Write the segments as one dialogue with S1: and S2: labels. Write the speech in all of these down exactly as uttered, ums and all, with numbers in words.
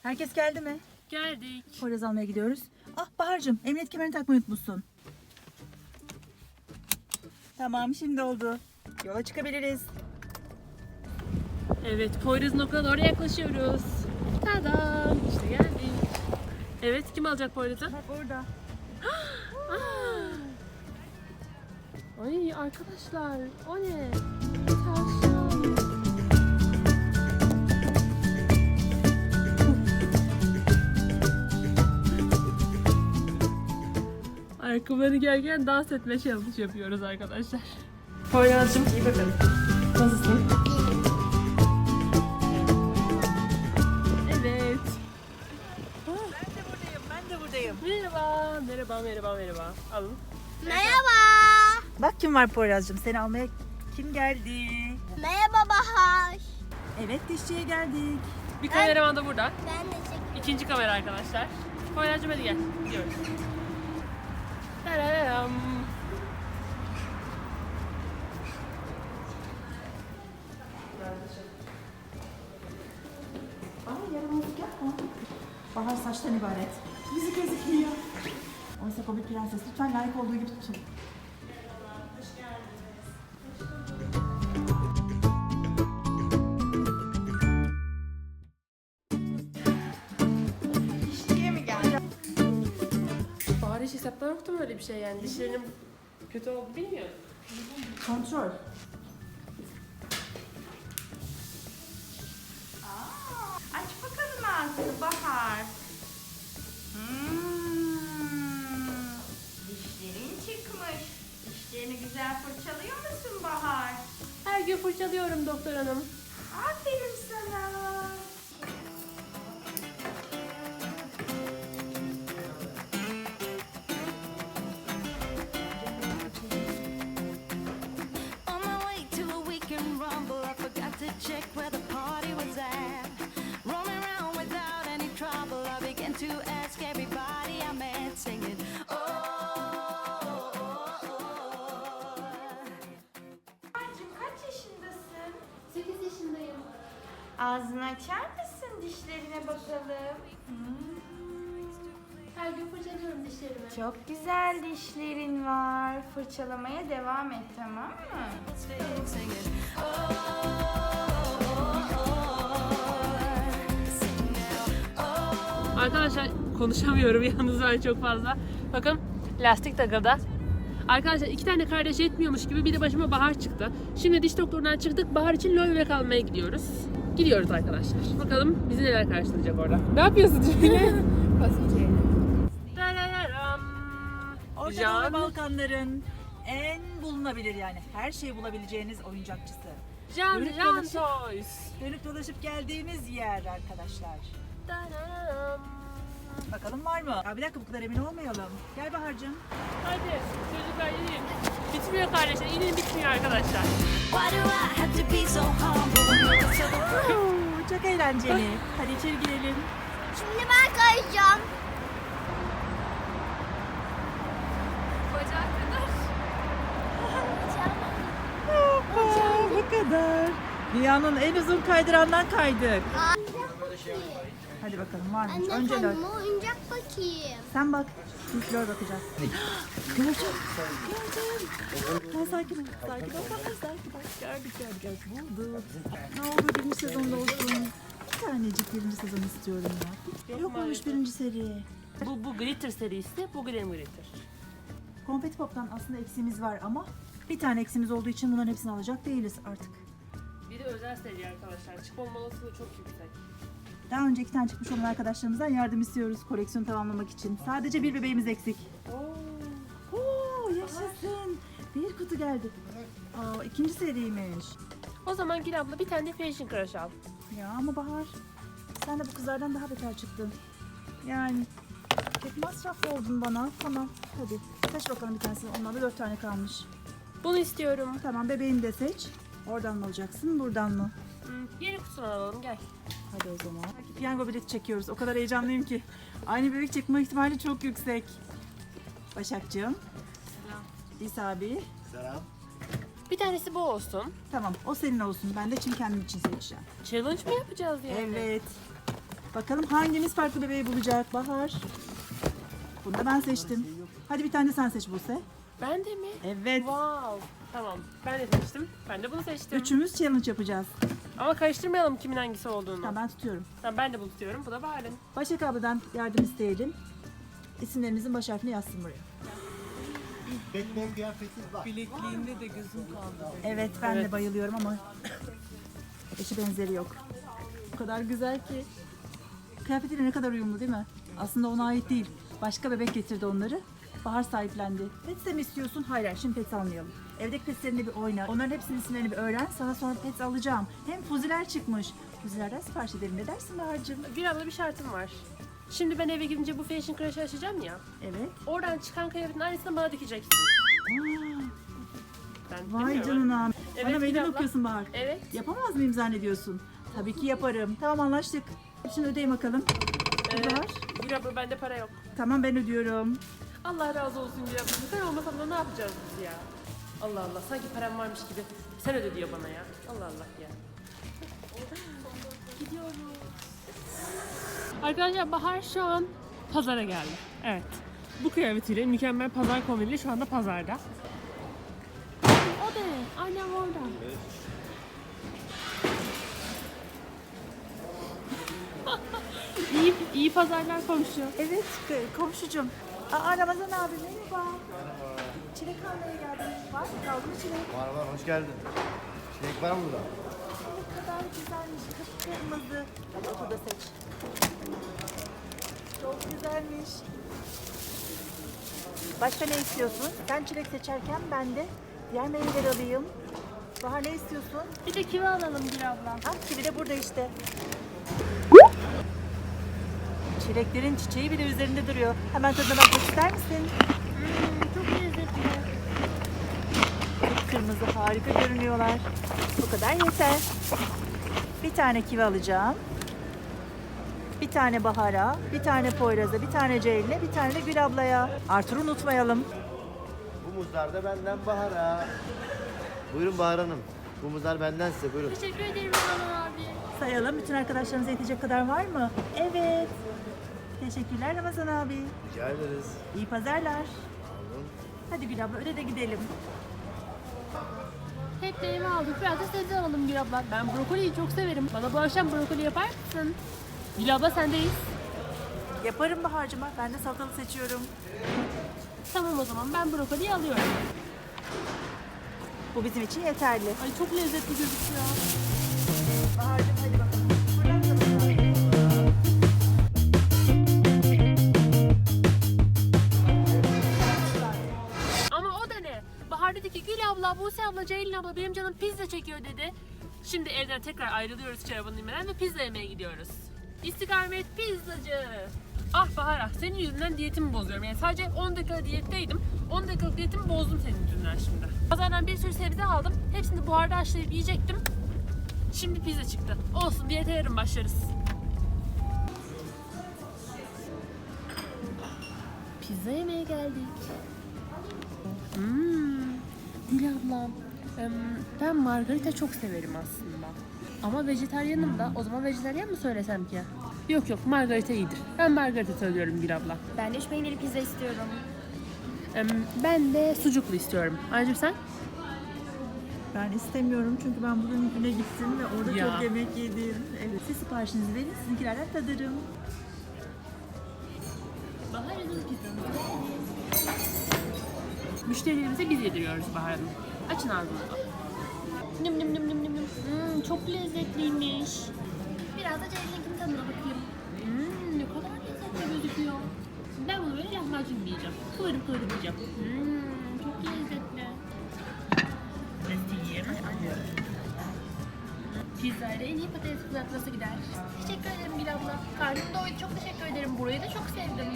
S1: Herkes geldi mi?
S2: Geldik.
S1: Poyraz almaya gidiyoruz. Ah Bahar'cığım, emniyet kemerini takmayı unutmuşsun. Tamam, şimdi oldu. Yola çıkabiliriz.
S2: Evet, Poyraz'ın okuluna doğru yaklaşıyoruz. Tada! İşte geldik. Evet, kim alacak Poyraz'ı?
S1: Bak orada.
S2: Aa! Ay arkadaşlar, o ne? Tavşan. Ayakkabıları giyerken dans etme challenge yapıyoruz arkadaşlar. Poyraz'cığım iyi bakalım. Nasılsın? Evet.
S1: Ben de buradayım, ben de buradayım.
S2: Merhaba, merhaba, merhaba, merhaba. Alın.
S3: Merhaba.
S1: Bak kim var Poyraz'cığım, seni almaya kim geldi?
S3: Merhaba Bahar.
S1: Evet, dişçiye geldik.
S2: Bir kameraman da burada.
S3: Ben de çekiyorum.
S2: İkinci kamera arkadaşlar. Poyraz'cığım hadi gel. Gidiyoruz. Tararam.
S1: Ay yaramazlık yapma. Bahar saçtan ibaret. Yüzü gözükmüyor. Oysa o bir prenses. Lütfen layık olduğu gibi tutun. Dişçiye mi geldi?
S2: Bahar hiç hesapta yoktu mu öyle bir şey yani? Dişlerinin kötü olduğunu bilmiyorum.
S1: Kontrol.
S4: Aç bakalım ağzını Bahar. Hmm, dişlerin çıkmış. Dişlerini güzel fırçalıyor musun Bahar?
S2: Her gün fırçalıyorum doktor hanım.
S4: Aferin sana.
S5: On my way to a weekend rumble, I forgot to check where the party was at. Roaming around without any trouble, I began to ask everybody I met, singing, oh, oh, oh, oh.
S4: Bahar'cığım kaç yaşındasın?
S2: sekiz yaşındayım.
S4: Ağzını açar mısın dişlerine bakalım?
S2: Her gün fırçalıyorum dişlerimi.
S4: Çok güzel dişlerin var. Fırçalamaya devam et, tamam mı?
S5: Singing, oh, oh, oh. Sing now, oh.
S2: Arkadaşlar konuşamıyorum yalnız ben çok fazla. Bakın lastik takıldı. Arkadaşlar iki tane kardeş yetmiyormuş gibi bir de başıma Bahar çıktı. Şimdi diş doktorundan çıktık. Bahar için loy bebek almaya gidiyoruz. Gidiyoruz arkadaşlar. Bakalım bizi neler karşılayacak orada. Ne yapıyorsun Cemile? Tarararam.
S1: Orta
S2: Can.
S1: Doğu ve Balkanların en bulunabilir yani her şeyi bulabileceğiniz oyuncakçısı.
S2: Can
S1: Dönüp
S2: Can
S1: dolaşıp-
S2: Toys.
S1: Dönüp dolaşıp geldiğimiz yer arkadaşlar.
S2: Tararam.
S1: Bakalım var mı? Ya bir dakika bu kadar emin olmayalım. Gel Bahar'cığım.
S2: Hadi çocuklar inin. Bitmiyor kardeşler. İnin bitmiyor arkadaşlar.
S5: Why do I have to be so humble?
S1: Oo, çok eğlenceli. Hadi içeri girelim.
S3: Şimdi ben kayacağım.
S1: Hoppa, bu kadar. Dünyanın en uzun kaydırandan kaydık. Hadi bakalım var mı?
S3: Anne
S1: Önce Lör.
S3: kendime oyuncak bakayım.
S1: Sen bak. İlk Lör bakacağız. Göreceğim. Göreceğim. Ha, sakin ol. Sakin ol. Tamam, sakin ol. Gördük gördük gördük. Bulduk. Ne olur birinci sezonda olsun. Bir tanecik birinci sezon istiyorum ya.
S2: Yok
S1: Yok olmuş
S2: maalesef.
S1: birinci seri.
S2: Bu, bu Glitter serisi, bu Glam Glitter.
S1: Konfeti Pop'tan aslında eksiğimiz var ama bir tane eksiğimiz olduğu için bunların hepsini alacak değiliz artık.
S2: Bir de özel seri arkadaşlar. Çıkma olasılığı çok yüksek.
S1: Daha önce iki tane çıkmış olan arkadaşlarımızdan yardım istiyoruz koleksiyonu tamamlamak için. Sadece bir bebeğimiz eksik.
S2: Oo.
S1: Oo yaşasın. Bir kutu geldi. Aa, ikinci seriymiş.
S2: O zaman Gül abla bir tane de Fashion Crush al.
S1: Ya ama Bahar sen de bu kızlardan daha beter çıktın. Yani çok masraflı oldun bana. Tamam hadi seç bakalım bir tanesini. Ondan da dört tane kalmış.
S2: Bunu istiyorum.
S1: Tamam bebeğini de seç. Oradan mı alacaksın buradan mı?
S2: Hmm, yeni kutusunu alalım gel.
S1: Hadi o zaman. Piyango bileti çekiyoruz. O kadar heyecanlıyım ki. Aynı bebek çekme ihtimali çok yüksek. Başakcığım. İsa abi.
S2: Bir tanesi bu olsun.
S1: Tamam o senin olsun. Ben de için kendim için seçeceğim.
S2: Challenge mı yapacağız yani?
S1: Evet. Bakalım hangimiz farklı bebeği bulacak? Bahar. Bunu da ben seçtim. Hadi bir tane de sen seç Buse.
S2: Ben de mi?
S1: Evet.
S2: Wow. Tamam. Ben de seçtim. Ben de bunu seçtim.
S1: Üçümüz challenge yapacağız.
S2: Ama karıştırmayalım kimin hangisi olduğunu.
S1: Tamam ben tutuyorum.
S2: Tamam, ben de bunu tutuyorum. Bu da Bahar'ın.
S1: Başak abladan yardım isteyelim. İsimlerimizin baş harfini yazsın buraya.
S6: Batman kıyafeti var.
S7: Bilekliğinde de gözüm kaldı.
S1: Evet ben
S2: Evet.
S1: de bayılıyorum ama eşi benzeri yok. O kadar güzel ki. Kıyafetiyle ne kadar uyumlu değil mi? Aslında ona ait değil. Başka bebek getirdi onları. Bahar sahiplendi. Pets mi istiyorsun? Hayır, hayır, şimdi pets almayalım. Evdeki petslerinle bir oyna. Onların hepsinin isimlerini bir öğren. Sana sonra pets alacağım. Hem fuziler çıkmış. Fuzilerden sipariş edelim. Ne dersin Bahar'cığım?
S2: Bir abla bir şartım var. Şimdi ben eve gidince bu Fashion Crash'ı açacağım ya.
S1: Evet.
S2: Oradan çıkan kıyafetin aynısını bana dikeceksin. Ben
S1: Vay
S2: bilmiyorum.
S1: canına.
S2: Evet,
S1: Bana
S2: bir
S1: meydan
S2: abla.
S1: okuyorsun Bahar.
S2: Evet.
S1: Yapamaz mıyım zannediyorsun? Tabii ki yaparım. Tamam anlaştık. Şimdi ödeyin bakalım.
S2: Ee,
S1: Bahar.
S2: bir abla bende para yok.
S1: Tamam ben ödüyorum.
S2: Allah razı olsun bir abla. Sen olmasan da ne yapacağız biz ya? Allah Allah, sanki param varmış gibi. Sen öde diyor bana ya. Allah Allah ya. Gidiyoruz. Arkadaşlar Bahar şu an pazara geldi. Evet. Bu kıyafetiyle mükemmel pazar kombiniyle şu anda pazarda. O da ne? Annem orada. iyi, iyi pazarlar komşu.
S1: Evet k- komşucum. Aa Ramazan abi merhaba. Çilek almaya geldim. Var mı? Kaldı mı çilek?
S6: Var var, hoş geldin. Çilek var mı burada?
S1: Ne kadar güzelmiş. Kıpkırmızı. Hadi otur da seç. Çok güzelmiş. Başka ne istiyorsun? Sen çilek seçerken ben de diğer meyveleri alayım. Bahar ne istiyorsun?
S2: Bir de kivi alalım bir abla.
S1: Ha kivi de burada işte. Çileklerin çiçeği bile üzerinde duruyor. Hemen tadına bakmak ister misin?
S2: Çok lezzetli.
S1: Kırmızı harika görünüyorlar. Bu kadar yeter. Bir tane kivi alacağım. Bir tane Bahar'a, bir tane Poyraz'a, bir tane Ceylin'e, bir tane de Gül ablaya. Artur'u unutmayalım.
S6: Bu muzlar da benden Bahar'a. Buyurun Bahar Hanım. Bu muzlar benden size, buyurun.
S2: Teşekkür ederim Ramazan abi.
S1: Sayalım. Bütün arkadaşlarımıza yetecek kadar var mı? Evet. Teşekkürler Ramazan abi.
S6: Rica ederiz.
S1: İyi pazarlar.
S6: Alın.
S1: Hadi Gül abla öde de gidelim.
S2: Hep de eve aldık. Biraz da sebze alalım Gül abla. Ben brokoliyi çok severim. Bana bu akşam brokoli yapar mısın? Gül abla sendeyiz.
S1: Yaparım Bahar'cığıma. Ben de salatalık seçiyorum.
S2: Tamam o zaman ben brokoliyi alıyorum.
S1: Bu bizim için yeterli.
S2: Ay çok lezzetli gözüküyor.
S1: Bahar'cığım hadi bakalım. Buradan da
S2: Ama o da ne? Bahar dedi ki Gül abla, Buse abla, Ceylin abla benim canım pizza çekiyor dedi. Şimdi evden tekrar ayrılıyoruz çorabını inmeden ve pizza yemeye gidiyoruz. İstikamet pizzacı. Ah Bahar ah, senin yüzünden diyetimi bozuyorum. Yani sadece on dakika diyetteydim. on dakikalık diyetimi bozdum senin yüzünden şimdi. Pazardan bir sürü sebze aldım. Hepsini buharda haşlayıp yiyecektim. Şimdi pizza çıktı. Olsun, diyete yarın başlarız. Pizza yemeye geldik. Hmm, Gül ablam, em, ben margarita çok severim aslında. Ama vejetaryenim da, o zaman vejetaryen mi söylesem ki? Yok yok, margarita iyidir. Ben margarita söylüyorum Gül abla.
S4: Ben de üç peynirli pizza istiyorum.
S2: Em, ben de sucuklu istiyorum. Ayrıca sen?
S1: Ben istemiyorum çünkü ben bugün güne gittim ve orada
S2: Ya.
S1: çok yemek yedim. Evet. Siz siparişinizi verin, sizinkilerden tadarım.
S2: Bahar yazılı pizzamız. Müşterilerimize biz yediriyoruz Bahar Hanım. Açın ağzınızı. Nüm nüm nüm nüm nüm. Hmm, çok lezzetliymiş. Biraz da Ceylin'inkinin tadına bakayım. Hmm, ne kadar lezzetli gözüküyor. Ben bunu böyle lahmacun yiyeceğim. Kıvırıp kıvırıp yiyeceğim. Hmm, çok lezzetli. Nasıl yiyeyim? Pizzayla en iyi patates kızartması gider. Teşekkür ederim Gül abla. Karnım doydu. Çok teşekkür ederim. Burayı da çok sevdim.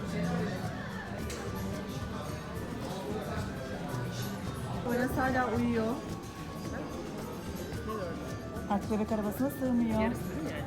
S1: Poyraz hala uyuyor. Artık bebek arabasına sığmıyor.
S2: Yarısı değil mi?